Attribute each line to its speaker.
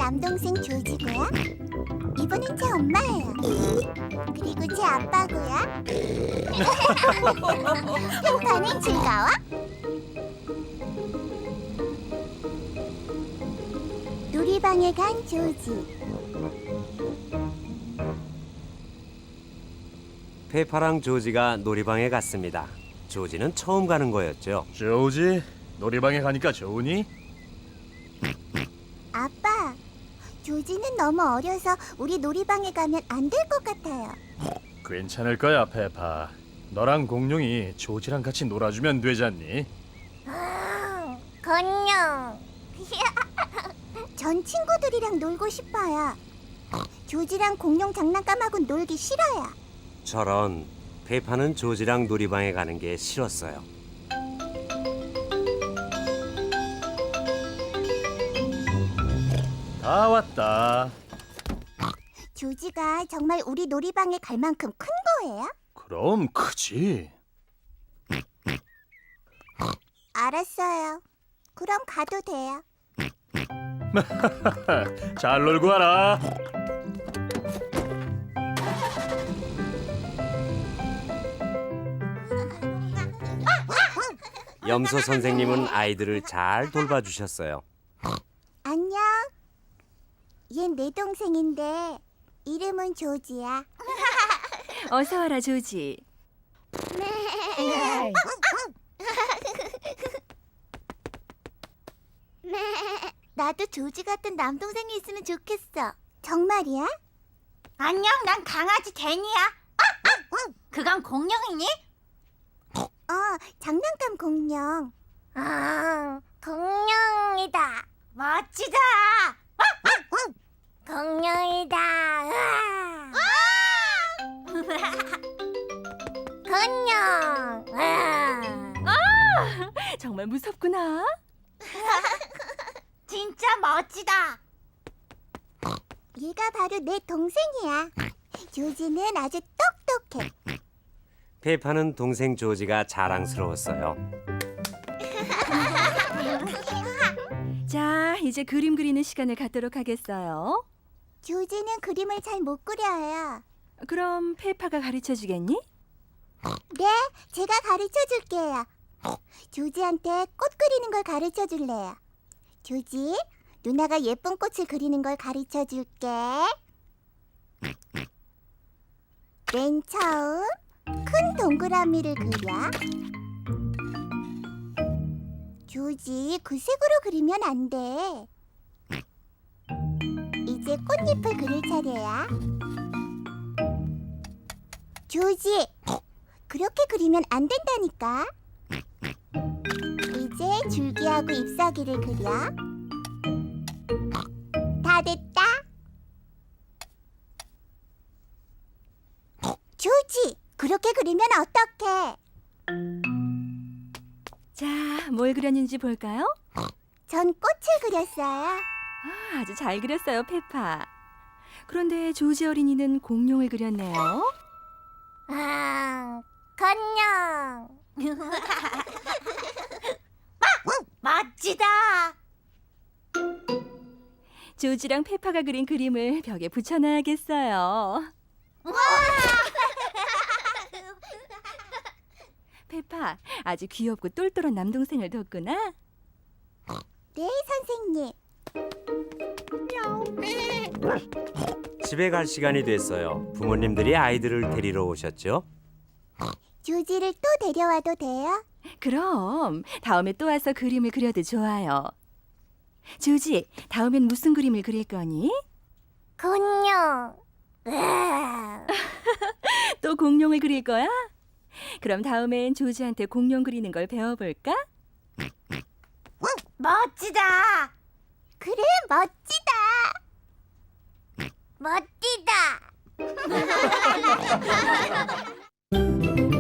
Speaker 1: 남동생 조지고요. 이분은 제 엄마예요. 그리고 제 아빠고요. 평판은 즐거워? 놀이방에 간 조지.
Speaker 2: 페파랑 조지가 놀이방에 갔습니다. 조지는 처음 가는 거였죠.
Speaker 3: 조지, 놀이방에 가니까 좋으니?
Speaker 1: 아빠, 조지는 너무 어려서 우리 놀이방에 가면 안 될 것 같아요.
Speaker 3: 괜찮을 거야, 페파. 너랑 공룡이 조지랑 같이 놀아주면 되잖니?
Speaker 1: 건녕. 전 친구들이랑 놀고 싶어요. 조지랑 공룡 장난감하고 놀기 싫어요.
Speaker 2: 저런, 페파는 조지랑 놀이방에 가는 게 싫었어요.
Speaker 3: 다 왔다.
Speaker 1: 조지가 정말 우리 놀이방에 갈 만큼 큰 거예요?
Speaker 3: 그럼 크지.
Speaker 1: 알았어요. 그럼 가도 돼요.
Speaker 3: 잘 놀고 와라.
Speaker 2: 염소 선생님은 아이들을 잘 돌봐주셨어요.
Speaker 1: 안녕. 얜 내 동생인데 이름은 조지야.
Speaker 4: 어서 와라 조지.
Speaker 1: 나도 조지 같은 남동생이 있으면 좋겠어. 정말이야?
Speaker 5: 안녕, 난 강아지 데니야. 그건 공룡이니?
Speaker 1: 장난감 공룡.
Speaker 5: 공룡이다. 멋지다. 공룡이다. 공룡.
Speaker 4: 정말 무섭구나.
Speaker 5: 진짜 멋지다.
Speaker 1: 얘가 바로 내 동생이야. 조지는 아주 똑똑해.
Speaker 2: 페파는 동생 조지가 자랑스러웠어요.
Speaker 4: 자, 이제 그림 그리는 시간을 갖도록 하겠어요.
Speaker 1: 조지는 그림을 잘 못 그려요.
Speaker 4: 그럼 페파가 가르쳐 주겠니?
Speaker 1: 네, 제가 가르쳐 줄게요. 조지한테 꽃 그리는 걸 가르쳐 줄래요. 조지, 누나가 예쁜 꽃을 그리는 걸 가르쳐 줄게. 맨 처음 큰 동그라미를 그려. 조지, 그 색으로 그리면 안 돼. 이제 꽃잎을 그릴 차례야. 조지, 그렇게 그리면 안 된다니까. 이제 줄기하고 잎사귀를 그려. 다 됐다. 조지, 그렇게 그리면 어떡해?
Speaker 4: 자, 뭘 그렸는지 볼까요?
Speaker 1: 전 꽃을 그렸어요.
Speaker 4: 아주 잘 그렸어요, 페파. 그런데 조지 어린이는 공룡을 그렸네요.
Speaker 5: 건녕. 멋지다.
Speaker 4: 조지랑 페파가 그린 그림을 벽에 붙여놔야겠어요. 페파, 아주 귀엽고 똘똘한 남동생을 뒀구나.
Speaker 1: 네, 선생님.
Speaker 2: 집에 갈 시간이 됐어요. 부모님들이 아이들을 데리러 오셨죠.
Speaker 1: 조지를 또 데려와도 돼요?
Speaker 4: 그럼 다음에 또 와서 그림을 그려도 좋아요. 조지, 다음엔 무슨 그림을 그릴 거니?
Speaker 5: 공룡.
Speaker 4: 또 공룡을 그릴 거야? 그럼 다음엔 조지한테 공룡 그리는 걸 배워볼까?
Speaker 5: 멋지다.
Speaker 1: 그래, 멋지다.
Speaker 5: 멋지다.